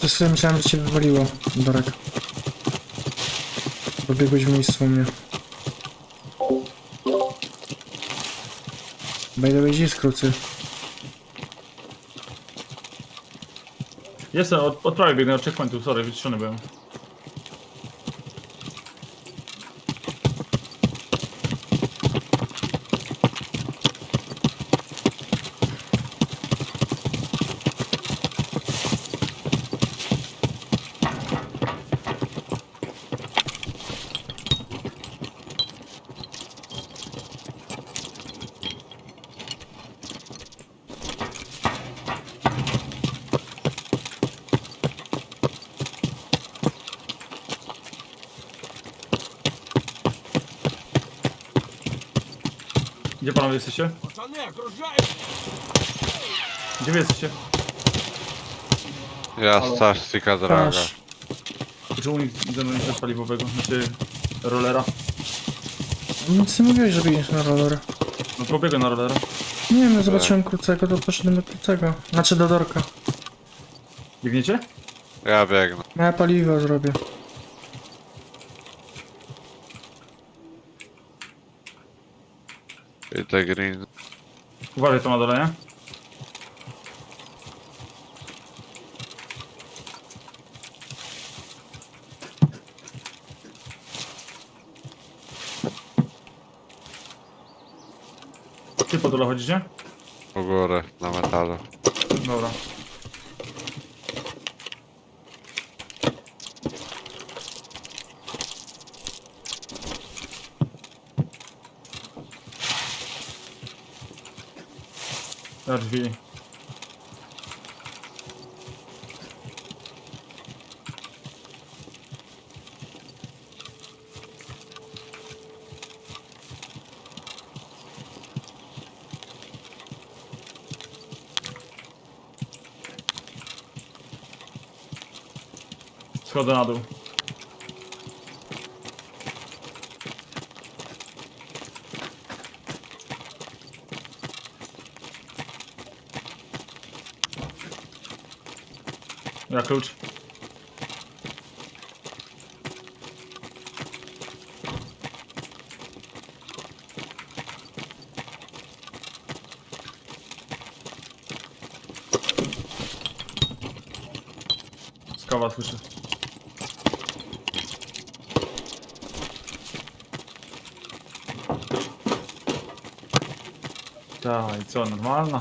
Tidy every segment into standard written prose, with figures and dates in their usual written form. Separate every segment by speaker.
Speaker 1: Przez chwilę myślałem, że cię wywaliło, Dorek. Pobiegłeś w miejscu u mnie. By the way, gdzie jest krucy?
Speaker 2: Jestem, od prawej biegnę od checkpointu, sorry, wyciszony byłem. Gdzie panowie jesteście? Gdzie wy jesteście?
Speaker 3: Ja
Speaker 2: Halo.
Speaker 3: Starstika droga.
Speaker 1: Patrz.
Speaker 2: Czemu nikt ze mną nie chce paliwowego? Znaczy rollera?
Speaker 1: Nic nie mówiłeś, że biegniesz na roller.
Speaker 2: No pobiegłem na rollera.
Speaker 1: Nie wiem, no zobaczyłem krucego, to poszedłem do krucego. Znaczy do Dorka.
Speaker 2: Biegniecie?
Speaker 3: Ja biegnę.
Speaker 1: Ja paliwo zrobię.
Speaker 3: I te green.
Speaker 2: Uważaj to na dole, nie? Ty po dole chodzicie?
Speaker 3: U góry, na metalu.
Speaker 2: Dobra. Na drzwi. Schodzę na dół. Ja klucz. Skawa słyszę. Tak, i co, normalna?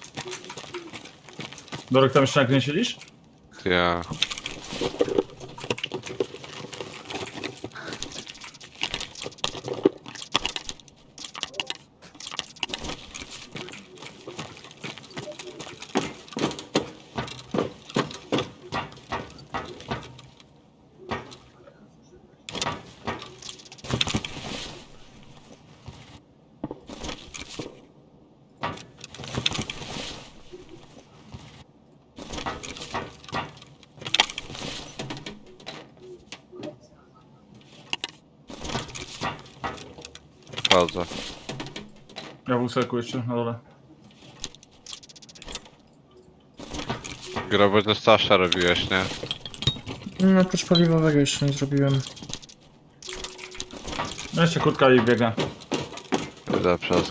Speaker 2: Dorek, tam jeszcze na gnie siedzisz?
Speaker 3: Ja. Wchodzę.
Speaker 2: Ja w óseku jeszcze na dole.
Speaker 3: Groby to Stasza robiłeś, nie?
Speaker 1: No, oprócz paliwowego jeszcze nie zrobiłem.
Speaker 2: No jeszcze kurtka i biega.
Speaker 3: Idę przez.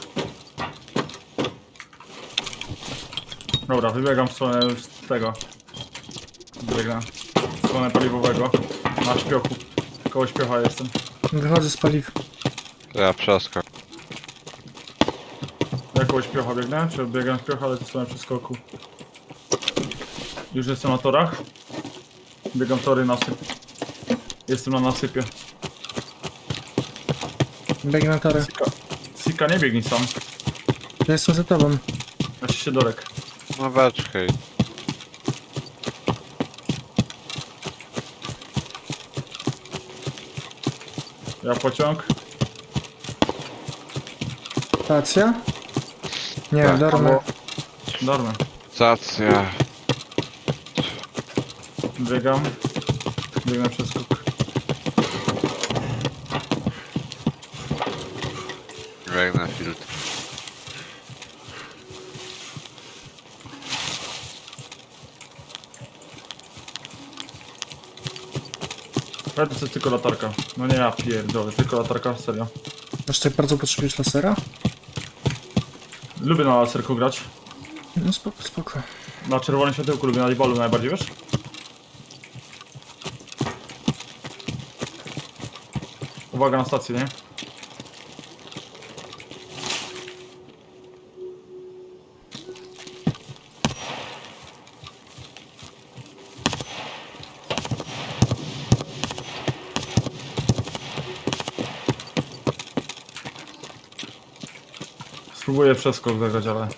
Speaker 2: Dobra, wybiegam w stronę z tego. Biegnę w stronę paliwowego. Na śpiochu. Koło śpiocha jestem.
Speaker 1: Wychodzę z paliw.
Speaker 3: Ja przeskok.
Speaker 2: Ja koło śpiocha biegnę, czy biegam śpiocha, ale to stronę przeskoku. Już jestem na torach. Biegam tory, nasyp. Jestem na nasypie.
Speaker 1: Biegnę na torę.
Speaker 2: Sika, nie biegnij sam.
Speaker 1: Ja jestem za tobą.
Speaker 2: Znaczy się Dorek.
Speaker 3: No beczkę.
Speaker 2: Ja pociąg.
Speaker 1: Stacja? Nie,
Speaker 3: Tak.
Speaker 1: dormę.
Speaker 2: Dormy.
Speaker 3: Stacja.
Speaker 2: Biegam. Biegnę przez skok.
Speaker 3: Biegnę filtr.
Speaker 2: To jest tylko latarka. No nie, ja pierdolę, tylko latarka, serio.
Speaker 1: Aż tak bardzo potrzebujesz lasera?
Speaker 2: Lubię na laserku grać.
Speaker 1: No spoko, spoko.
Speaker 2: Na czerwonym światełku lubię, na eyeballu najbardziej, wiesz? Uwaga na stację, nie? Spróbuję przeskok zagrać, ale...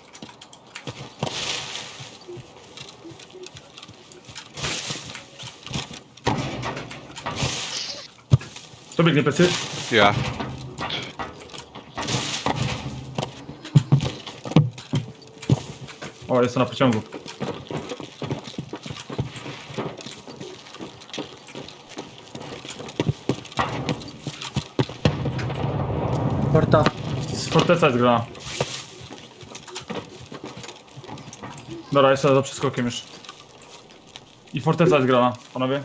Speaker 2: To biegnie plecy.
Speaker 3: Ja.
Speaker 2: O, jest to na pociągu.
Speaker 1: Porta.
Speaker 2: Z forteca jest grana. Dobra, jest za przeskokiem już. I forteca jest grana, panowie.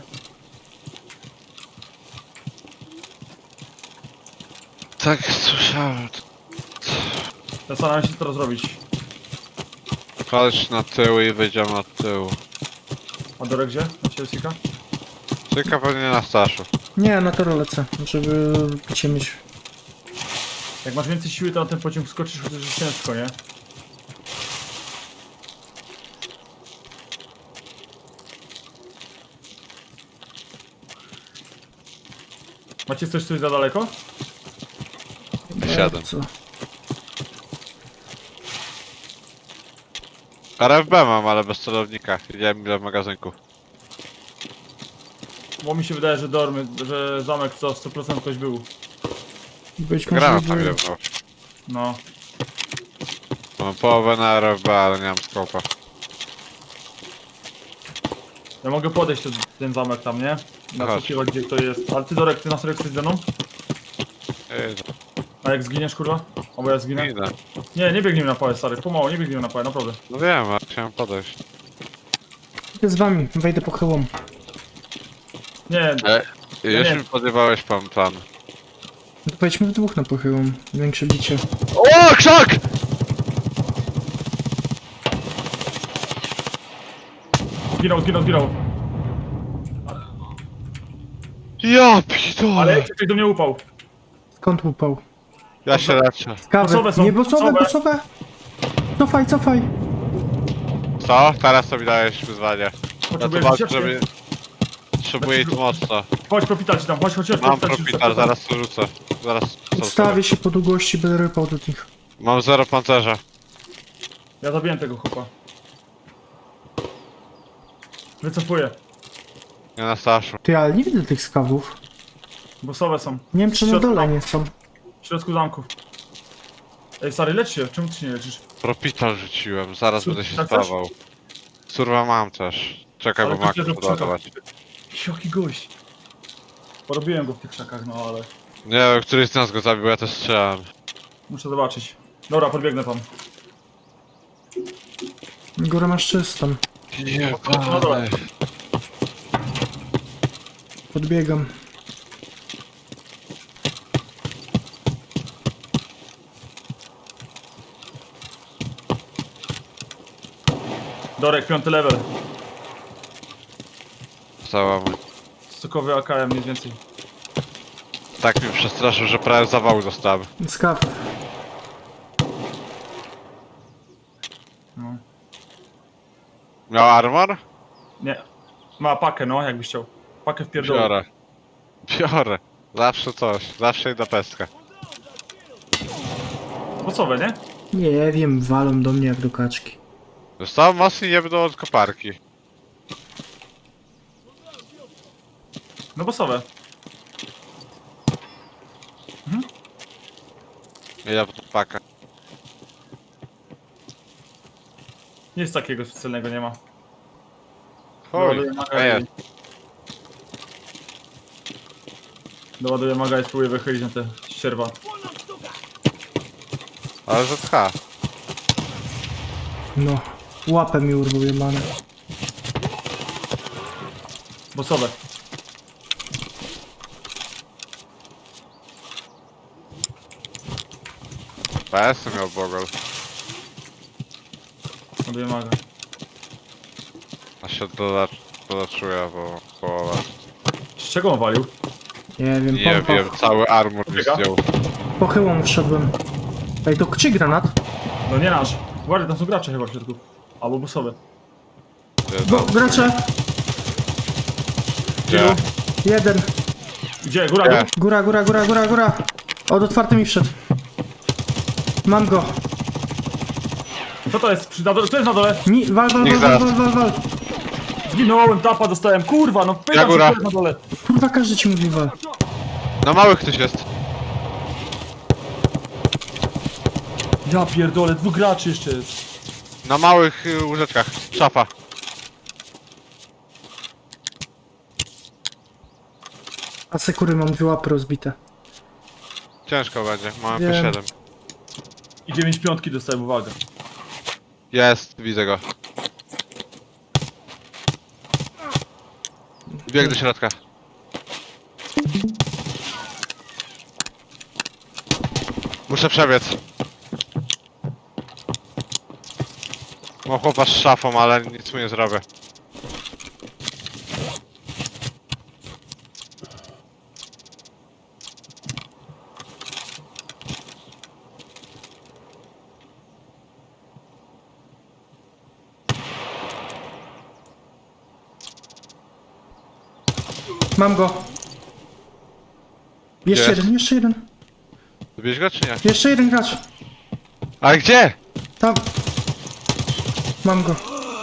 Speaker 3: Tak, słyszałem.
Speaker 2: Zastanawiam się, co teraz zrobić.
Speaker 3: Chodź na tył i wyjdziemy od tyłu.
Speaker 2: A Dorek gdzie? Na ciebie Sika?
Speaker 3: Tylko pewnie na Staszu.
Speaker 1: Nie, na to lecę, żeby cię mieć.
Speaker 2: Jak masz więcej siły, to na ten pociąg skoczysz, chociaż jest ciężko, nie? Macie coś za daleko?
Speaker 3: 7.
Speaker 1: Co?
Speaker 3: RFB mam, ale bez celownika. Widziałem ile w magazynku.
Speaker 2: Bo mi się wydaje, że że zamek co 100% ktoś był.
Speaker 1: Być może
Speaker 3: Granat tam
Speaker 1: by...
Speaker 3: jedno.
Speaker 2: No.
Speaker 3: Mam połowę na RFB, ale nie mam skopa.
Speaker 2: Ja mogę podejść do ten zamek tam, nie?
Speaker 3: Chodź.
Speaker 2: Nasłuchiwać gdzie to jest. Ale ty Dorek, ty na serio chcesz ze mną?
Speaker 3: Ej,
Speaker 2: A jak zginiesz, kurwa? Albo ja zginę?
Speaker 3: idę.
Speaker 2: Nie, nie biegnijmy na pałę, stary. Pomału, nie biegnijmy na pałę, naprawdę.
Speaker 3: No wiem, ale chciałem podejść.
Speaker 1: Idę z wami, wejdę po chyłom.
Speaker 2: Nie,
Speaker 3: Już
Speaker 2: nie.
Speaker 3: mi podjewałeś plan.
Speaker 1: No to pojedźmy w dwóch na pochyłom. Większe bicie.
Speaker 3: O, krzak!
Speaker 2: zginął.
Speaker 3: Ja pitole!
Speaker 2: Ale ktoś do mnie upał.
Speaker 1: Skąd upał?
Speaker 3: Ja się leczę.
Speaker 1: Kawy.
Speaker 2: Bosowe są,
Speaker 1: Nie, bosowe,
Speaker 2: bosowe.
Speaker 1: bosowe! Cofaj!
Speaker 3: Co? Teraz to mi dajesz wyzwanie. Ja to
Speaker 2: Potrzebujesz
Speaker 3: walczę,
Speaker 2: wycieczkę?
Speaker 3: żeby... Potrzebuję ich mocno.
Speaker 2: Chodź, propital ci tam, chodź,
Speaker 3: Mam
Speaker 2: propital ci
Speaker 3: propital,
Speaker 2: rzucę.
Speaker 3: zaraz to rzucę. Zaraz co
Speaker 1: Ustawię się po długości, będę rypał do nich.
Speaker 3: Mam 0 pancerza.
Speaker 2: Ja zabiję tego chłopa. Wycofuję.
Speaker 3: Nie na Staszu.
Speaker 1: Ty, ale nie widzę tych skawów.
Speaker 2: Bosowe są.
Speaker 1: Nie wiem, czy na dole nie są.
Speaker 2: W środku zamku. Ej, stary, lecz się. Czemu ty się nie leczysz?
Speaker 3: Propital rzuciłem, zaraz będę się
Speaker 2: Tak też?
Speaker 3: stawał. Surwa mam też. Czekaj,
Speaker 2: Ale
Speaker 3: bo
Speaker 2: ktoś
Speaker 3: makę
Speaker 2: leży w krzakach.
Speaker 3: podawać.
Speaker 2: Jaki gość. Porobiłem go w tych krzakach, no ale...
Speaker 3: Nie wiem, któryś z nas go zabił, ja też strzelałem.
Speaker 2: Muszę zobaczyć. Dobra, podbiegnę tam.
Speaker 1: Górę masz czystą.
Speaker 2: No dobra.
Speaker 1: Podbiegam.
Speaker 2: Dorek, 5. level.
Speaker 3: Cała mój.
Speaker 2: Stokowy AKM, nic więcej.
Speaker 3: Tak mnie przestraszył, że prawie zawału dostałem.
Speaker 1: Skaw.
Speaker 2: No.
Speaker 3: Miał armor?
Speaker 2: Nie. Ma pakę, no, jakbyś chciał. Pakę w pierdolu.
Speaker 3: Biorę. Biorę. Zawsze coś. Zawsze idę peskę.
Speaker 2: Bosowe, nie?
Speaker 1: Nie wiem, walą do mnie jak do kaczki.
Speaker 3: Zostałem mocniej nie będą od koparki.
Speaker 2: No bosowe.
Speaker 3: Ja pod pakę.
Speaker 2: Nic takiego specjalnego nie ma.
Speaker 3: Chuj.
Speaker 2: Doładuję maga
Speaker 3: Ej,
Speaker 2: i... Doładuję maga i spróbuję wychylić na te ścierwa.
Speaker 3: ale ZH.
Speaker 1: No. Łapę mi urwał jebane.
Speaker 2: Bosowe.
Speaker 3: PS miał Bogol.
Speaker 2: Ładuję maga.
Speaker 3: A się doleczyłem, bo połowa.
Speaker 2: Z czego on walił?
Speaker 1: Nie wiem,
Speaker 3: Nie
Speaker 1: pompa.
Speaker 3: wiem, cały armor mi
Speaker 2: Biega?
Speaker 3: zdjął.
Speaker 1: Pochyłą wszedłem. Ej, to czyj granat?
Speaker 2: No nie nasz. Uważaj, tam są gracze chyba w środku. Albo busowe.
Speaker 1: Go, gracze!
Speaker 3: Gdzie?
Speaker 1: Jeden.
Speaker 2: Gdzie? Góra,
Speaker 3: Gdzie?
Speaker 2: dół?
Speaker 1: Góra. Od otwarty mi wszedł. Mam go.
Speaker 2: Co to jest? Kto jest na dole?
Speaker 1: Wal.
Speaker 3: Niech zaraz.
Speaker 2: Zginąłem, tapa dostałem. Kurwa, no pytam się,
Speaker 3: góra.
Speaker 2: kto jest na dole.
Speaker 1: Kurwa, każdy ci mówi wal.
Speaker 3: Na małych ktoś jest.
Speaker 2: Ja pierdolę, 2 graczy jeszcze jest.
Speaker 3: Na małych łóżeczkach. Szafa.
Speaker 1: A sekury mam 2 łapy rozbite.
Speaker 3: Ciężko będzie, mam
Speaker 1: Wiem.
Speaker 3: MP7.
Speaker 2: I 9 piątki dostałem, uwaga.
Speaker 3: Jest, widzę go. Bieg do środka. Muszę przebiec. Mam chłopa z szafą, ale nic mu nie zrobię.
Speaker 1: Mam go. Jeszcze
Speaker 3: Jest.
Speaker 1: jeden.
Speaker 3: Zbierz go czy nie?
Speaker 1: Jeszcze jeden gracz.
Speaker 3: Ale gdzie?
Speaker 1: Tam. Mam go.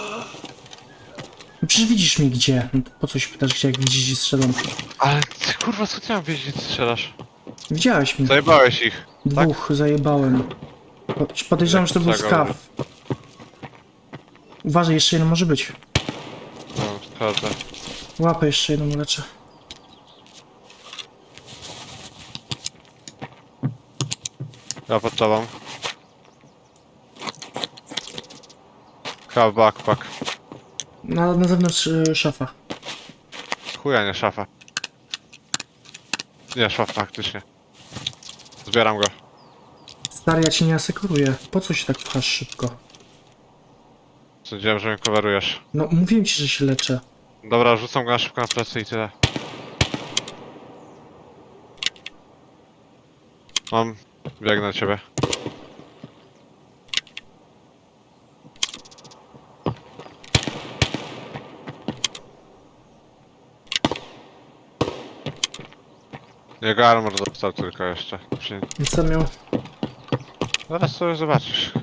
Speaker 1: No przecież widzisz mnie gdzie. No to po co się pytasz gdzie, jak widzisz i strzelam.
Speaker 3: Ale ty, kurwa, co ty mam wiedzieć, gdzie ty strzelasz?
Speaker 1: Widziałeś mnie.
Speaker 3: Zajebałeś ich.
Speaker 1: 2 zajebałem. Podejrzewam, że to był
Speaker 3: Czego?
Speaker 1: skaw. Uważaj, jeszcze jeden może być.
Speaker 3: No, szkoda.
Speaker 1: Łapę jeszcze jedną leczę.
Speaker 3: Ja pod tobą. Chyba backpack.
Speaker 1: Na zewnątrz szafa.
Speaker 3: Chuja, nie szafa. Nie, szaf faktycznie. Zbieram go.
Speaker 1: Stary, ja ci nie asekuruję. Po co się tak pchasz szybko?
Speaker 3: Sądziłem, że mnie coverujesz.
Speaker 1: No, mówiłem ci, że się leczę.
Speaker 3: Dobra, rzucam go na szybko na plecy i tyle. Mam. Biegnę na ciebie. Jego armor dostał tylko jeszcze.
Speaker 1: I co miał?
Speaker 3: Zaraz sobie zobaczysz.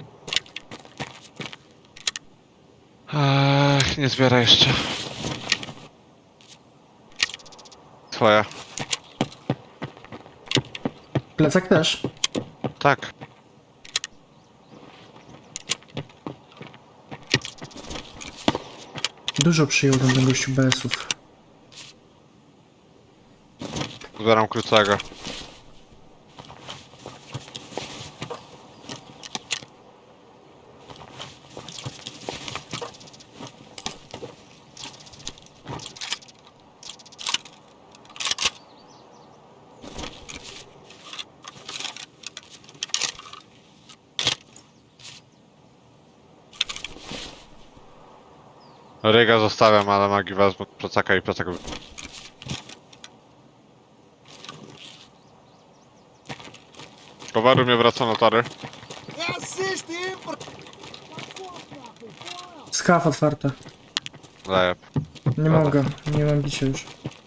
Speaker 3: Nie zbieraj jeszcze. Twoja.
Speaker 1: Plecak też.
Speaker 3: Tak.
Speaker 1: Dużo przyjął ten gościu BS-ów.
Speaker 3: Zbieram krócego. Ryga zostawiam, ale magii wezmę plecaka i plecak. Towaru mnie wraca na tory.
Speaker 1: Skaf otwarte.
Speaker 3: Zajeb.
Speaker 1: Nie mogę. Nie mam bicia już.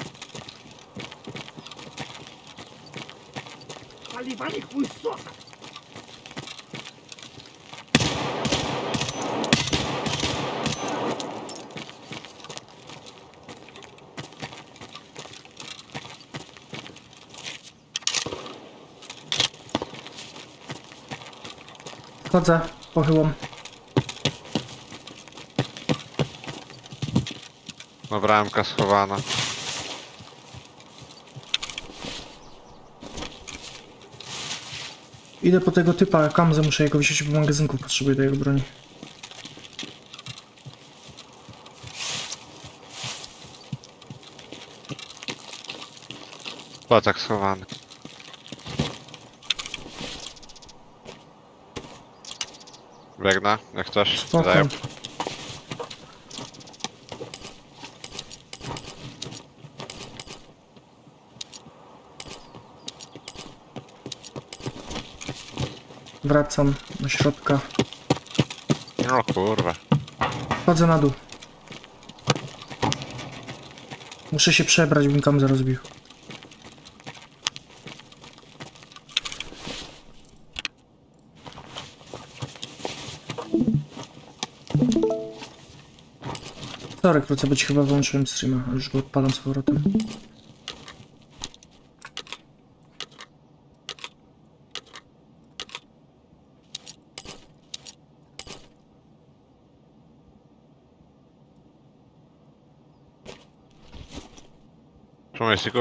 Speaker 1: Chodzę, pochyłam.
Speaker 3: Dobra, MK schowana.
Speaker 1: Idę po tego typa, Kamzę muszę jego wziąć, bo magazynków potrzebuję do jego broni.
Speaker 3: Plecak schowany. Biegnę, jak chcesz.
Speaker 1: Spoko.
Speaker 3: Daję.
Speaker 1: Wracam do środka.
Speaker 3: No kurwa.
Speaker 1: Wchodzę na dół. Muszę się przebrać, bym tam zaraz bił. Sorry, krótce, bo ci chyba wyłączyłem streama, a już go odpalam z powrotem.
Speaker 3: Przemyśliku?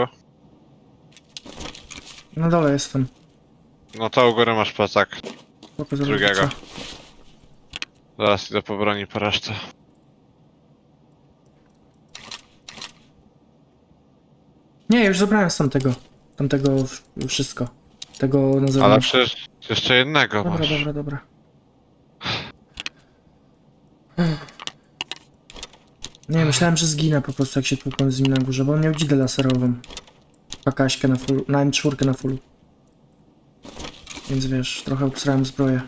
Speaker 1: Na dole jestem.
Speaker 3: No to u góry masz plecak.
Speaker 1: Spoko, zaraz
Speaker 3: Drugiego.
Speaker 1: wrócę.
Speaker 3: Zaraz idę po broni po resztę.
Speaker 1: Nie, już zabrałem z tamtego. Tamtego wszystko. Tego na
Speaker 3: Ale
Speaker 1: zewnątrz.
Speaker 3: przecież jeszcze jednego
Speaker 1: Dobra,
Speaker 3: masz.
Speaker 1: dobra, dobra. Nie, myślałem, że zginę po prostu jak się tłukłem z nim na górze, bo on miał dzidę laserową. Pakaśkę na full, na M4 na fullu. Więc wiesz, trochę obsrałem zbroję.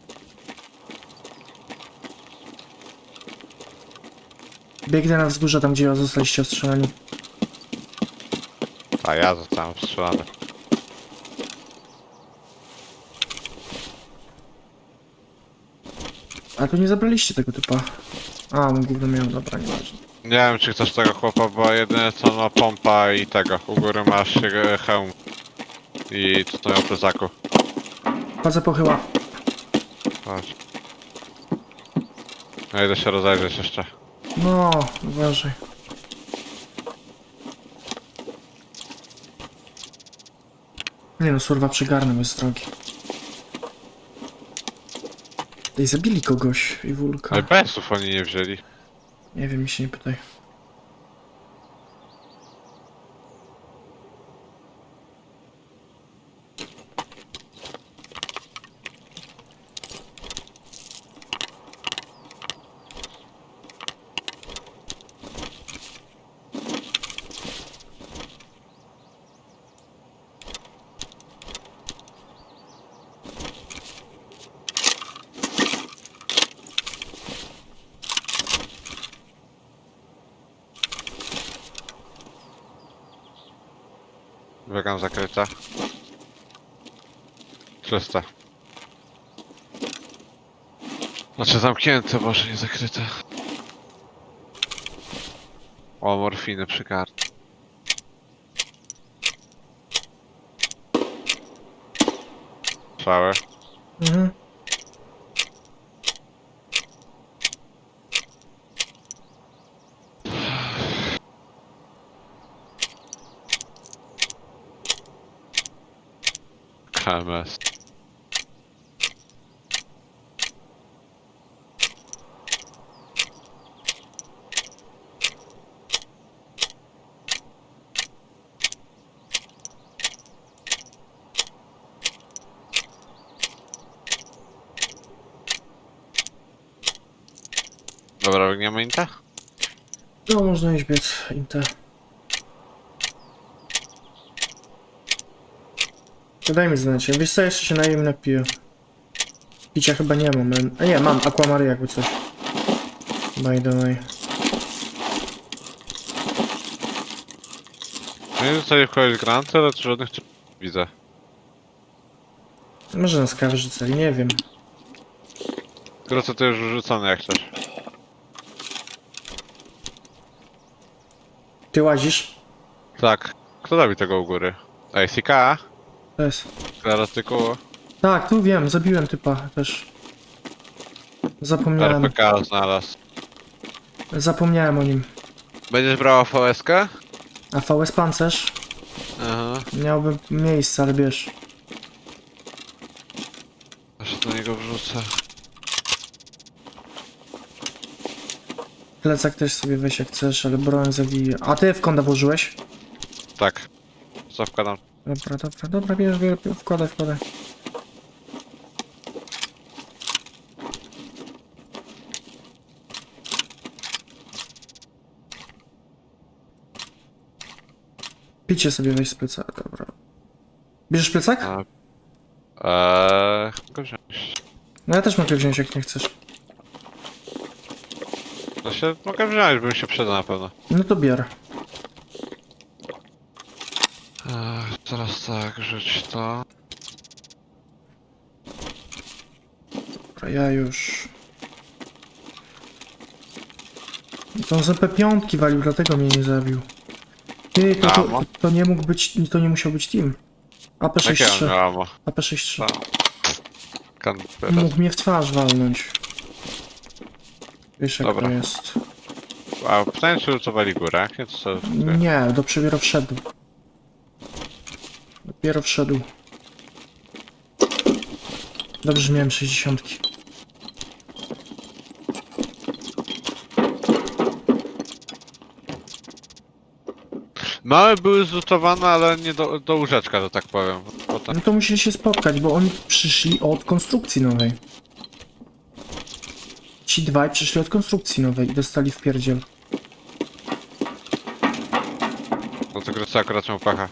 Speaker 1: Biegnę na wzgórze tam, gdzie zostaliście ostrzelani.
Speaker 3: A ja zostałem strzelany.
Speaker 1: A tu nie zabraliście tego typa. A, on gówno miał, dobra, nieważne.
Speaker 3: Nie wiem czy chcesz tego chłopa, bo jedyne co ma pompa i tego. U góry masz hełm. I co to miał plecaku.
Speaker 1: Chodzę pochyła.
Speaker 3: Chodź. Ja idę się rozejrzeć jeszcze.
Speaker 1: No, uważaj. Nie no, surwa przygarnął, jest drogi. Ej, zabili kogoś i wulka.
Speaker 3: Ale PS-ów oni nie wzięli.
Speaker 1: Nie wiem, mi się nie pytaj.
Speaker 3: Biegam zakryta. Czyste. Znaczy zamknięte, może nie zakryte. O, morfiny przy kartce. Strzały.
Speaker 1: Mhm.
Speaker 3: KMS. Dobra, biegniemy Inta?
Speaker 1: No, można iść biec, Inte. Daj mi znać, wiesz co, jeszcze się najem napiję. Picia chyba nie mam, a nie, mam Aquamary jakby coś. By the way.
Speaker 3: Nie wiem, co wchodzić granty, ale tu żadnych tu widzę.
Speaker 1: Może nas kawy rzucali, nie wiem.
Speaker 3: Tylko co to już wrzucone jak chcesz.
Speaker 1: Ty łazisz?
Speaker 3: Tak. Kto robi tego u góry? Ej, CK?
Speaker 1: To jest.
Speaker 3: Klasyku.
Speaker 1: Tak, tu wiem, zabiłem typa też. Zapomniałem.
Speaker 3: RPK znalazł.
Speaker 1: Zapomniałem o nim.
Speaker 3: Będziesz brała VSK?
Speaker 1: A VS pancerz?
Speaker 3: Aha.
Speaker 1: Miałby miejsce, ale wiesz.
Speaker 3: Aż do niego wrzucę.
Speaker 1: Plecak też sobie weź jak chcesz, ale broń zawiję. A ty w konda włożyłeś?
Speaker 3: Tak. Co wkładam?
Speaker 1: Dobra, dobra, dobra, bierz, wkładaj, wkładaj. Picie sobie weź z plecaka, dobra. Bierzesz plecak?
Speaker 3: A, mogę wziąć.
Speaker 1: No ja też mogę wziąć, jak nie chcesz.
Speaker 3: No się mogę wziąć, bym się przydał na pewno.
Speaker 1: No to biorę.
Speaker 3: Teraz tak, rzuć to.
Speaker 1: Dobra, ja już... To z EP5 walił, dlatego mnie nie zabił. Ty, to nie mógł być, to nie musiał być team.
Speaker 3: Jakie on
Speaker 1: AP63,
Speaker 3: miał ammo?
Speaker 1: AP63.
Speaker 3: Kandydat.
Speaker 1: Mógł mnie w twarz walnąć. Wiesz jak
Speaker 3: Dobra.
Speaker 1: to jest.
Speaker 3: A pytanie, czy lutowali górę? Nie, to co?
Speaker 1: Nie, dopiero wszedł. Dopiero wszedł. Dobrze, że miałem 60.
Speaker 3: Małe były zlutowane, ale nie do łóżeczka, że tak powiem. Potem...
Speaker 1: No to musieli się spotkać, bo oni przyszli od konstrukcji nowej. Ci dwaj przyszli od konstrukcji nowej i dostali w pierdziel.
Speaker 3: Do tego co akurat miał pacha.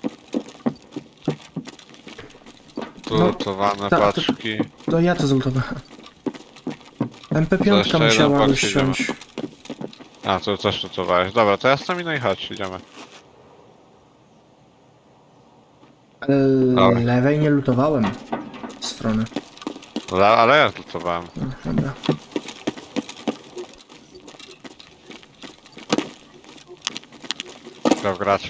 Speaker 3: Tu
Speaker 1: No,
Speaker 3: lutowane
Speaker 1: to-
Speaker 3: paczki.
Speaker 1: To ja to zlutowałem.
Speaker 3: To
Speaker 1: MP5
Speaker 3: jeszcze jeden
Speaker 1: musiała
Speaker 3: box
Speaker 1: ściąć.
Speaker 3: A, to też lutowałeś. Dobra, to ja z nami no i chodź, idziemy. Dobra.
Speaker 1: Lewej nie lutowałem strony.
Speaker 3: Ale ja lutowałem.
Speaker 1: No, dobra.
Speaker 3: Grał gracz.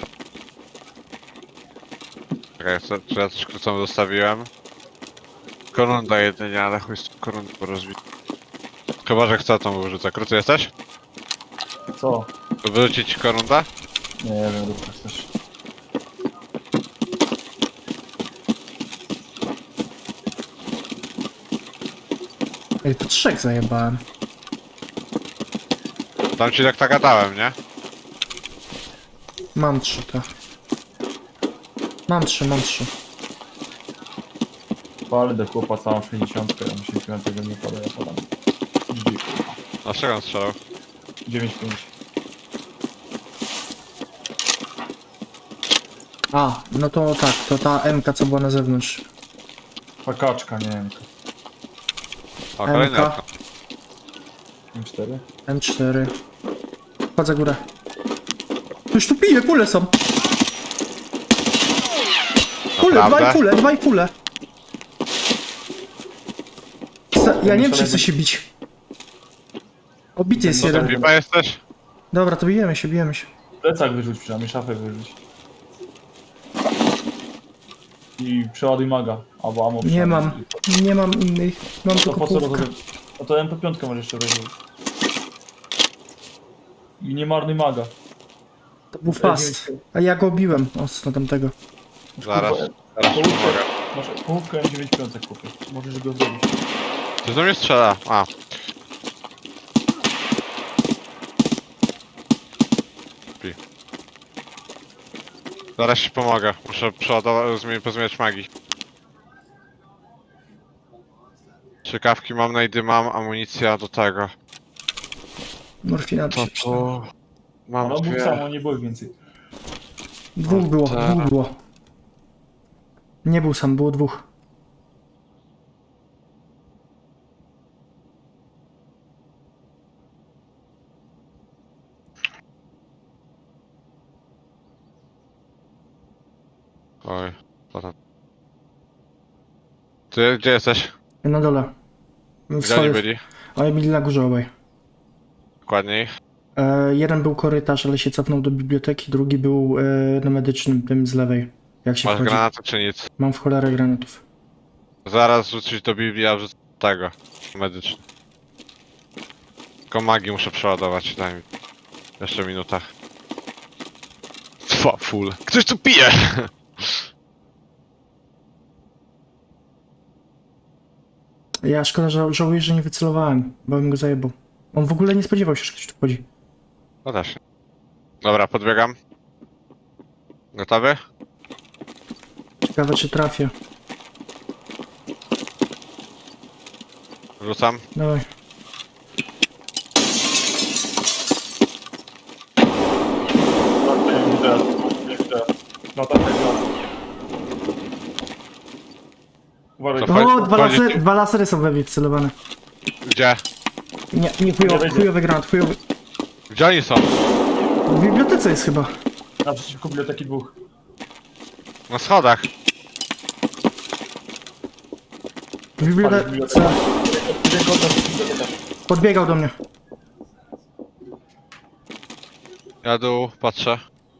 Speaker 3: Czekaj, czy ja coś krótką zostawiłem? Korunda jedynie, ale chuj z korundą rozbić. Chyba, że chcę tą wyrzucę. Krótko jesteś?
Speaker 2: Co?
Speaker 3: Wyrzucić korunda?
Speaker 2: Nie wiem, rób tak też.
Speaker 1: Ej, to 3 zajebałem.
Speaker 3: Tam ci tak gadałem, nie?
Speaker 1: Mam 3 to. Mam 3, mam 3.
Speaker 2: Palę do chłopa całą 60, ja myślę, że tego nie pada, ja podam.
Speaker 3: A z czego on strzelał?
Speaker 2: 9,5.
Speaker 1: A, no to tak, to ta MK co była na zewnątrz.
Speaker 2: Pakaczka, nie wiem.
Speaker 3: O, kolejny
Speaker 1: MK.
Speaker 3: okno.
Speaker 2: M4.
Speaker 1: M4. Chodź za górę. Ktoś tu pije, kule są. Kule,
Speaker 3: Naprawdę?
Speaker 1: dwaj kule. Ja nie wiem, czy chcę się bić. Obity jest
Speaker 2: No to
Speaker 1: jeden.
Speaker 3: Pipa jesteś?
Speaker 1: Dobra, to bijemy się, bijemy się.
Speaker 2: Plecak wyrzuć przynajmniej, szafę wyrzuć. I przeładuj maga, albo ammo
Speaker 1: Nie
Speaker 2: przynajmniej.
Speaker 1: mam, nie mam innych. Mam
Speaker 2: To
Speaker 1: tylko
Speaker 2: po co
Speaker 1: półkę.
Speaker 2: rozumiem? No to MP5 możesz jeszcze wyrzucić. I nie marnuj maga.
Speaker 1: To był fast. A ja go biłem. O, tamtego.
Speaker 3: Zaraz. Zaraz ci pomogę.
Speaker 2: Masz połówkę M95 kupię. Możesz go zrobić.
Speaker 3: Ty do mnie strzela. A. Pi. Zaraz ci pomogę. Muszę przeładować, pozmieniać magii. Ciekawki mam, najdy mam, amunicja do tego.
Speaker 1: Morfina
Speaker 3: To tu... Mam
Speaker 2: No był
Speaker 3: dwie...
Speaker 2: samo, nie było ich więcej.
Speaker 1: Dwóch było,
Speaker 3: Tak.
Speaker 1: dwóch było. Nie był sam, było dwóch.
Speaker 3: Oj, potem. Ty gdzie jesteś?
Speaker 1: Na dole.
Speaker 3: Gdzie oni byli?
Speaker 1: Oni byli na górze obaj.
Speaker 3: Dokładniej.
Speaker 1: Jeden był korytarz, ale się cofnął do biblioteki, drugi był na medycznym, tym z lewej. Jak się
Speaker 3: Masz
Speaker 1: wchodzi.
Speaker 3: granaty czy nic?
Speaker 1: Mam w cholerę granatów.
Speaker 3: Zaraz rzucić do Biblii, a wrzucę tego. Medyczny. Tylko magii muszę przeładować, daj mi. Jeszcze minuta. Full. Ktoś tu pije!
Speaker 1: Ja szkoda, że żałuję, że nie wycelowałem, bo bym go zajebał. On w ogóle nie spodziewał się, że ktoś tu wchodzi.
Speaker 3: No też. Dobra, podbiegam. Gotowy?
Speaker 1: Ciekawe, czy trafię.
Speaker 3: Rzucam.
Speaker 1: Dawaj.
Speaker 2: Nie widzę. Latarka jest raz. Uważaj,
Speaker 3: Co?
Speaker 1: O,
Speaker 3: Chodzi-
Speaker 1: dwa lasery są we mnie wcelowane.
Speaker 3: Gdzie?
Speaker 1: Nie
Speaker 2: Nie wejdzie.
Speaker 1: chujowy granat, chujowy.
Speaker 3: Gdzie oni są?
Speaker 1: W bibliotece jest chyba.
Speaker 2: naprzeciwko biblioteki dwóch.
Speaker 3: Na schodach.
Speaker 1: W bibliotece.
Speaker 2: Jeden kod na biblioteka.
Speaker 1: Podbiegał do mnie.
Speaker 3: Ja dół, patrzę.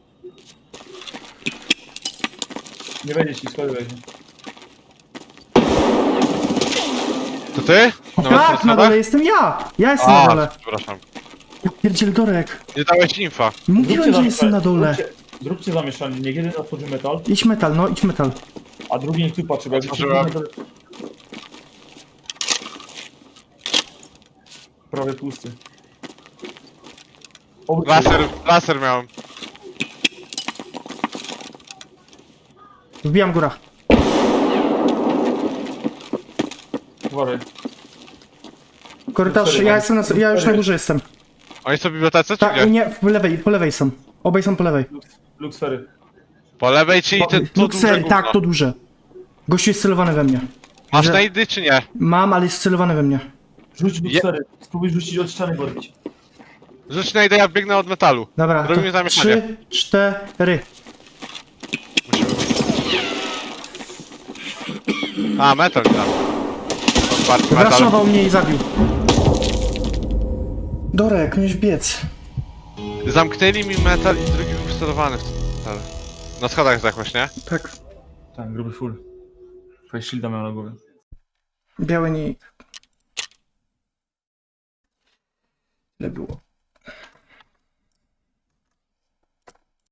Speaker 2: Nie wejdzie ci, schody wejdzie.
Speaker 3: To ty?
Speaker 1: Tak, na dole jestem ja! Ja jestem na dole.
Speaker 3: Przepraszam.
Speaker 1: Ja pierdziel Dorek.
Speaker 3: Nie dałeś infa.
Speaker 1: Mówiłem, że jestem na dole.
Speaker 2: Zróbcie zamieszanie, niech jeden otworzy metal,
Speaker 1: Idź metal, no idź metal.
Speaker 2: a drugi niech tu patrzy, bo jak
Speaker 3: Otworzyłem.
Speaker 2: prawie pusty.
Speaker 3: Laser miałem.
Speaker 1: Wbijam góra.
Speaker 2: Uważaj.
Speaker 1: Korytarz, ja już na górze jestem.
Speaker 3: Oni są w bibliotece, czy
Speaker 1: Tak,
Speaker 3: gdzie?
Speaker 1: nie, po lewej są. Obaj są po lewej.
Speaker 2: Luxfery.
Speaker 3: Po lewej, czyli ten tu duże
Speaker 1: Luxery,
Speaker 3: gówno.
Speaker 1: tak, to duże. Gościu jest celowany we mnie.
Speaker 3: Masz
Speaker 1: Że-
Speaker 3: najdy, czy nie?
Speaker 1: Mam, ale jest celowany we mnie.
Speaker 2: Rzuć Luxfery. Spróbuj rzucić od ściany borbić.
Speaker 3: Rzuć najdę, ja biegnę od metalu.
Speaker 1: Dobra,
Speaker 3: Robimy
Speaker 1: to
Speaker 3: zamieszanie.
Speaker 1: 3, 4.
Speaker 3: A, metal mi tam. Otwarty metal.
Speaker 1: Wraszował mnie i zabił. Dorek, miałeś biec.
Speaker 3: Zamknęli mi metal i drugi był wcelowany w ten metal. Na schodach zdechłeś, nie?
Speaker 1: Tak.
Speaker 2: Tak, gruby full. Face shielda miał na głowie.
Speaker 1: Biały nik. Ile było?